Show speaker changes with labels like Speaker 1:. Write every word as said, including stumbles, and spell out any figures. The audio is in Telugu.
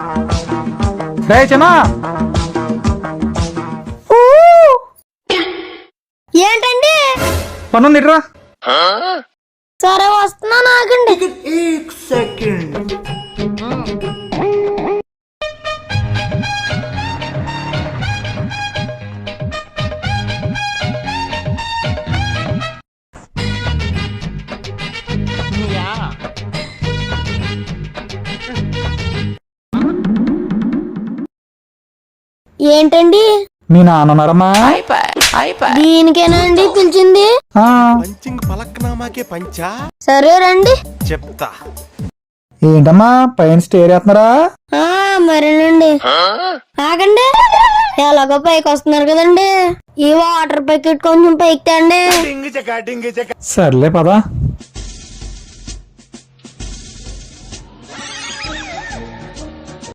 Speaker 1: రే చిన్నా,
Speaker 2: ఏంటండి?
Speaker 1: పనుంది ఇట్రా.
Speaker 2: సరే వస్తున్నా, నాగండి. ఏంటండి?
Speaker 1: మీ నాన్నన్నారమ్మా?
Speaker 2: దీనికేనా అండి పిలిచింది? సరే రండి
Speaker 3: చెప్తా.
Speaker 1: ఏంటమ్మా పైన స్టేర్ వేస్తున్నారా?
Speaker 2: మరేనండి. ఆగండి, ఎలాగో పైకి వస్తున్నారు కదండి, ఈ వాటర్ ప్యాకెట్ కొంచెం పైకి తండి.
Speaker 1: సర్లే పదా.